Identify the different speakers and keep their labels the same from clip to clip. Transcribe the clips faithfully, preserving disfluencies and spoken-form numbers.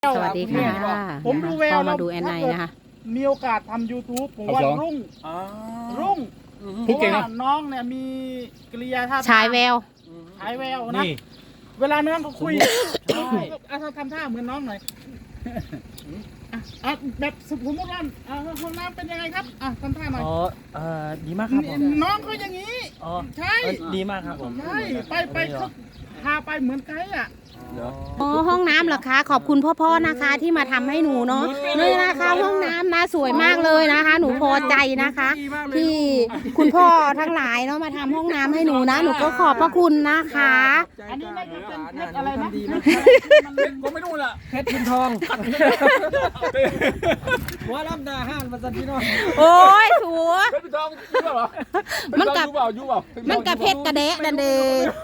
Speaker 1: สวัสดีค่ะ
Speaker 2: ผมดูแวว
Speaker 1: ก็มาดูแอนไนนะคะ
Speaker 2: มีโอกาสทำ YouTube ผมว่ารุ่งรุ่งเพ
Speaker 3: พูด
Speaker 2: ราะ
Speaker 3: เก่ง
Speaker 2: ว่า
Speaker 3: เนาะ
Speaker 2: น้องเนี่ยมีกิริยาท่าทาง
Speaker 1: ฉายแวว
Speaker 2: ฉายแววนะ
Speaker 3: นี่
Speaker 2: เวลาน้องเขาคุย
Speaker 3: ใช่
Speaker 2: อ่ะทำท่าเหมือนน้องหน่อยอ่ะอ่ะแบบสมมติว่าอ่ะห้องน้ำเป็นยังไงครับอ่ะทำท่าหน่อย
Speaker 4: อ๋อเอ่อดีมากครับผม
Speaker 2: น้องเขาอย่างนี้
Speaker 4: อ๋อ
Speaker 2: ใช่
Speaker 4: เอ่อดีมากครับผม
Speaker 2: ใช่ไปไปเขาพาไปเหมือนไกด์อ่ะ
Speaker 1: อ๋อห้องน้ำเหรอคะขอบคุณพ่อๆนะคะที่มาทำให้หนูเนาะนี่นะคะห้องน้ำนะสวยมากเลยนะคะ หนูพอใจนะคะ ที่คุณพ่อทั้งหลายเนาะมาทำห้องน้ำให้หนูนะ หนูก็ขอบพระคุณนะคะ
Speaker 2: อันนี้น่าจะเป็นเพชรอะไรนะ
Speaker 3: ก็ไม่รู้ล่ะ
Speaker 4: เพชรพินทองหัวลำนาห้านมาสันพี่น้อง
Speaker 1: โอ้ยสัว
Speaker 3: เป็นพี่ทองยูเปล่า
Speaker 1: มันกับ
Speaker 3: ยูเปล่ายูเปล่า
Speaker 1: มันกระเพชรกระเดะดันเด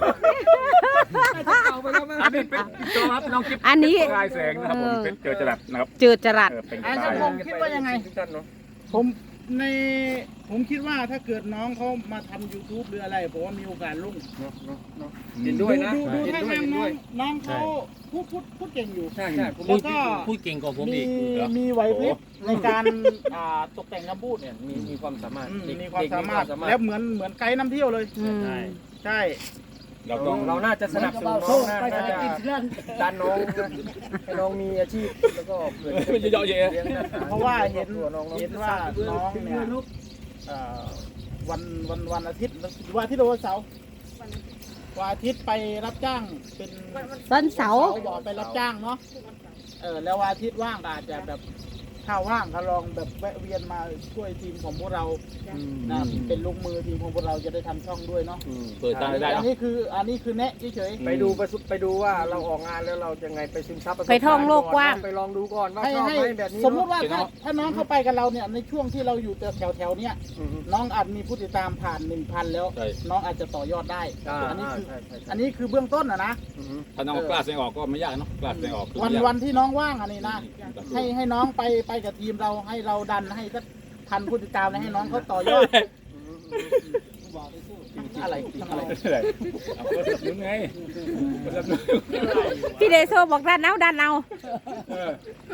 Speaker 4: เอาไปแล้วมั้ง
Speaker 3: อันนี้เป็นพี่ทองครับน้องกิ๊บ
Speaker 1: อันนี้
Speaker 3: ลายแสงนะครับผมเป็นเจอจรัสนะครับ
Speaker 1: เจือจรัส
Speaker 3: เออเป็น
Speaker 2: อัน
Speaker 3: ลา
Speaker 2: นี้
Speaker 3: ย
Speaker 2: ผมคิดว่ายังไง
Speaker 4: ทุกท่านเนาะ
Speaker 2: ผมในผมคิดว่าถ้าเกิดน้องเขามาทำ YouTube หรืออะไรผมว่ามีโอกาสรุ่ง
Speaker 4: เนาะเนาะเนาะเห็นด้วยนะ
Speaker 2: ดูดู
Speaker 4: เห็น
Speaker 2: ท่า
Speaker 4: ด้วย
Speaker 2: ทาง
Speaker 4: เห็น
Speaker 2: น้
Speaker 4: ด้
Speaker 2: อ
Speaker 4: วย
Speaker 2: งน้องเขาพูดพูดพูดเก่งอยู่
Speaker 4: ใช่ใช่ผม
Speaker 2: แล้วก็
Speaker 4: พูดเก่งกว่าผม
Speaker 2: มี
Speaker 4: อีก
Speaker 2: มีไหวพริบในการอ่าตกแต่งคำพูด
Speaker 4: เนี่ยมีมีความสามารถ
Speaker 2: อืม
Speaker 4: เด็ก
Speaker 2: มีความ
Speaker 4: เด็ก
Speaker 2: สามารถ แล้วเหมือนเหมือนไกด์นำเที่ยวเลย
Speaker 1: อืม
Speaker 4: ใช่
Speaker 2: ใช่
Speaker 3: เรา
Speaker 4: เรา
Speaker 3: ต้อง
Speaker 4: เราน่าจะสนับสนุนน้องนะน่าจะดันน้องนะให้น้องมีอาชีพแล้วก็เกิด
Speaker 3: เป็นเยอะๆเยอะ
Speaker 4: ลี้ยงหน้ต
Speaker 2: เพราะว่าเห็น
Speaker 4: ตัวน้อง
Speaker 2: เห็นว่าน้องเนี่ยเอ่อวันวันวันอาทิตย์วันอาทิตย์หรือวันเสาร์วันอาทิตย์ไปรับจ้างเป็น
Speaker 1: วันเสาร์
Speaker 2: บอกไปรับจ้างเนาะเออแล้ววันอาทิตย์ว่างก็อาจจะแบบถ้าว่างก็ลองแบบแวะเวียนมาช่วยทีมของพวกเรานะเป็นลูกมือทีมของพวกเราจะได้ทำช่องด้วยเนาะ
Speaker 4: อืม
Speaker 3: เปิดตาได้
Speaker 2: อั
Speaker 3: เนาะ
Speaker 2: นนี้คืออันนี้คือแนะเฉย
Speaker 4: ไปดูไปสุไปดูว่าเราออกงานแล้วเราจะไงไปซึมซับประสบ
Speaker 1: ไป
Speaker 4: การณ์
Speaker 1: ท่องโลกกว้าง
Speaker 4: ไปลองดูก่อนว่า
Speaker 2: ๆให้
Speaker 4: ชอบ
Speaker 2: ให้
Speaker 4: ไหมแบบนี้
Speaker 2: สมมุติว่า
Speaker 3: เนอะ
Speaker 2: ถ้าถ้าน้องเข้าไปกับเราเนี่ยในช่วงที่เราอยู่แถวแถวๆเนี้ย
Speaker 4: อืม
Speaker 2: น้องอาจมีผู้ติดตามผ่านหนึ่งพันแล้ว
Speaker 3: ใช่
Speaker 2: น้องอาจจะต่อยอดได้
Speaker 4: อ่า
Speaker 2: อันนี้คือ
Speaker 4: ใช่ใช่ใช่
Speaker 2: อันนี้คือเบื้องต้นอะนะ
Speaker 4: อืม
Speaker 3: ถ้าน้องกล้าแสดงออกก็ไม่ยากเนาะกล้าแสดงออกคือ
Speaker 2: วัน
Speaker 3: ไม่ยาก
Speaker 2: วันที่น้องว่างอันนี้นะให้ให้น้องไปไปกับทีมเราให้เราดันให้สักพันผู้ติดตามแล้วให้น้องเขาต่อยอดอะไรอะไร
Speaker 3: เอาก็สนับสนุนไงสนับสนุน
Speaker 1: พี่เดโซบอกดันเอาดันเอา
Speaker 3: เออ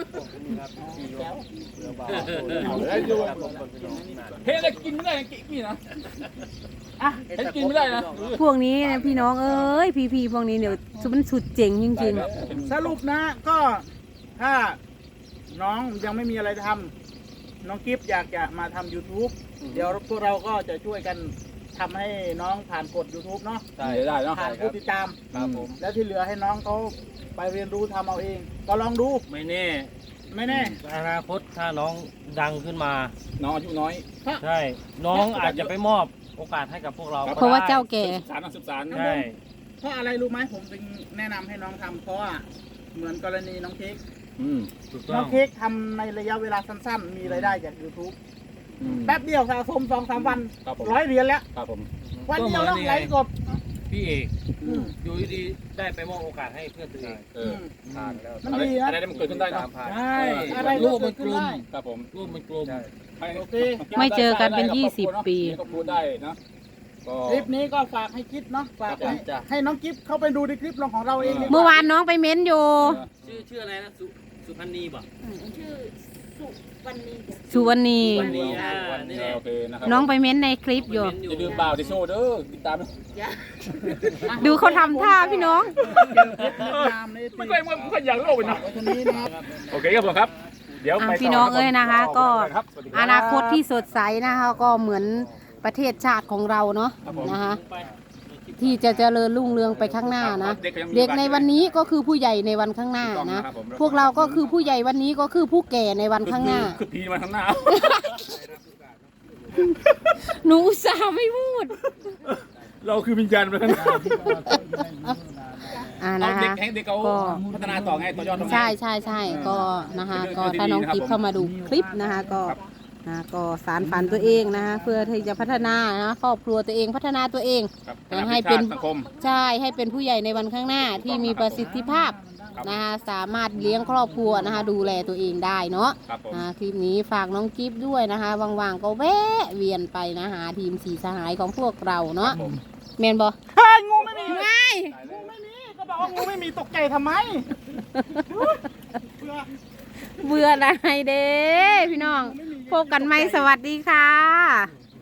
Speaker 4: เอาเลยดูครับผมคนพี่น้องนั่น
Speaker 3: เฮ้ยอะไรกินไม่ได้กินนี่นะ
Speaker 2: อ่ะ
Speaker 3: เฮ้ยกินไม่ได้นะ
Speaker 1: พวกนี้นะพี่น้องเอ้ยพี่พี่ๆพวกนี้เดี๋ยวมันสุดเจ๋งจริง
Speaker 2: สรุปนะก็ถ้าน้องยังไม่มีอะไรทำน้องกิฟต์อยากจะมาทำ YouTube เดี๋ยวพวกเราก็จะช่วยกันทำให้น้องผ่านกฎ YouTube เนาะ
Speaker 3: ได้ได้เนาะ
Speaker 2: ผ่านผู้ติดตาม
Speaker 4: ครับผม
Speaker 2: แล้วที่เหลือให้น้องเขาไปเรียนรู้ทำเอาเอง ก็ลองดู
Speaker 4: ไม่แน่
Speaker 2: ไม่แน่
Speaker 4: อนาคตถ้าน้องดังขึ้นมา
Speaker 3: น้องอายุน้อย
Speaker 4: ใช่ น้องอาจจะไปมอบโอกาสให้กับพวกเรา
Speaker 1: ๆ
Speaker 4: ก็
Speaker 1: เพราะว่า
Speaker 4: ได้
Speaker 1: เจ้าแก่
Speaker 3: สารนักศึกษา
Speaker 4: ใช่
Speaker 2: เพราะอะไรรู้ไหมผมถึงแนะนำให้น้องทำเพราะว่าเหมือนกรณีน้องเค้ก
Speaker 3: อืม
Speaker 4: ถูกต้
Speaker 2: น้
Speaker 4: อ
Speaker 2: อง งเค้กทำในระยะเวลาสั้นๆ มีรายได้จาก YouTube
Speaker 3: อืม
Speaker 2: แป๊บเดียวสะสมสองสามวัน
Speaker 3: ครับผม
Speaker 2: ร้อยเหรียญแล้ว
Speaker 3: ครับผม
Speaker 2: วันเดียวต้องไลฟ์สด
Speaker 4: พี่เอก
Speaker 2: อืม
Speaker 4: อยู่ดีๆได้ไปมอบโอกาสให้เพื่อนตัวเอง
Speaker 3: เออ
Speaker 4: ผ่านแล้ว
Speaker 2: มัน
Speaker 3: อะไร
Speaker 2: ดีนะ
Speaker 3: อะไรมันเกิดขึ้นได้เนาะ
Speaker 4: ผ่าน
Speaker 2: ใช่อะไร
Speaker 4: รู
Speaker 2: ก็
Speaker 4: ป
Speaker 2: เกิ
Speaker 4: มั
Speaker 2: ด
Speaker 4: นก
Speaker 2: ขึ้น
Speaker 4: ลุ่ม
Speaker 2: ได้
Speaker 3: ครับผม
Speaker 4: รูปมันกลุ่ม
Speaker 3: ให้
Speaker 2: โอเค
Speaker 1: ไม่เจอกันเป็นยี่สิบปี
Speaker 3: ก็พูดได้นะก็
Speaker 2: คลิปนี้ก็ฝากให้คิดเนาะฝาก
Speaker 3: ครับ
Speaker 2: ให้
Speaker 4: จ้ะ
Speaker 2: ให้น้องกิฟต์เข้าไปดูในคลิปของเราเองดีก
Speaker 1: เมื่อวานน้องไปเม้นอยู่
Speaker 4: ชื่อชื่ออะไรนะสุสุพันนีบ่
Speaker 5: ชื่อสุวรรณี
Speaker 1: สุวรรณี
Speaker 4: วันนี้อ่านี่แหละ
Speaker 3: โอเคนะครับ
Speaker 1: น้องไปเม้นในคลิปอยู่
Speaker 3: อย่าลืมบ่าวที่โชว์เด้อติดตามนะ
Speaker 1: ดูเขาทำท่าพี่น้อง
Speaker 3: ไม่ค่อยไม่ค่อยอยากโลกเลยนะ
Speaker 2: ไว้เท่านี้นะครับ
Speaker 3: โอเคครับผมครับ เดี๋ยว
Speaker 1: อ่ะ
Speaker 3: ไป
Speaker 1: พี่น้องเอ้ยนะคะก็
Speaker 3: ครับสวัสดีรับ
Speaker 1: อนาคตที่สดใสนะคะก็เหมือนประเทศชาติของเราเนาะ
Speaker 3: ครับผม
Speaker 1: นะคะที่จะเจริญรุ่งเรืองไปข้างหน้านะ
Speaker 3: เด็กก็ยังมี
Speaker 1: เด็กในวันนี้ก็คือผู้ใหญ่ในวันข้างหน้า
Speaker 3: ถูกต้อง
Speaker 1: นะ
Speaker 3: นะครับผม
Speaker 1: พวกเราก็คือผู้ใหญ่วันนี้ก็คือผู้แก่ในวันข้างหน้า
Speaker 3: คือพีมาข้างหน้า
Speaker 1: หนูอุตส่าห์ไม่พูด
Speaker 3: เราคือวิญญาณมาข้างหน้า
Speaker 1: อ่า
Speaker 3: เอา
Speaker 1: นะ
Speaker 3: เด็ก
Speaker 1: คะ
Speaker 3: ให้เด็กเขา
Speaker 1: ก็
Speaker 3: พัฒนาต่อไงต่อยอดทำไง
Speaker 1: ใช่ใช่ใช่ก็นะคะ
Speaker 3: เป็น
Speaker 1: ก็
Speaker 3: เรื่องที่
Speaker 1: ถ้าน้อง
Speaker 3: ดีนะครับ
Speaker 1: กิฟเข้ามาดูคลิปนะคะก็
Speaker 3: ครับ
Speaker 1: นะก็สารฝันตัวเองนะคะเพื่อที่จะพัฒนานะครอบครัวตัวเองพัฒนาตัวเอง
Speaker 3: ครับ
Speaker 1: นะให้เป็น
Speaker 3: สังคม
Speaker 1: ใช่ให้เป็นผู้ใหญ่ในวันข้างหน้าที่มีประสิทธิภาพ
Speaker 3: ครับ
Speaker 1: นะคะสามารถเลี้ยงครอบครัวนะคะดูแลตัวเองได้เนาะ
Speaker 3: ครับผม
Speaker 1: อ่าคลิปนี้ฝากน้องกิฟด้วยนะคะว่างๆก็แวะเวียนไปนะหาทีมสีสหายของพวกเราเนาะ
Speaker 3: ผม
Speaker 1: เมนบอ
Speaker 2: เฮ้ยงูไม่มี
Speaker 1: ง่าย
Speaker 2: งูไม่มีก็บอกว่างูไม่มีตกใจทำไมเพื่อ
Speaker 1: เบื่ออะไรเด้พี่น้องพบกันไหมสวัสดีค่ะ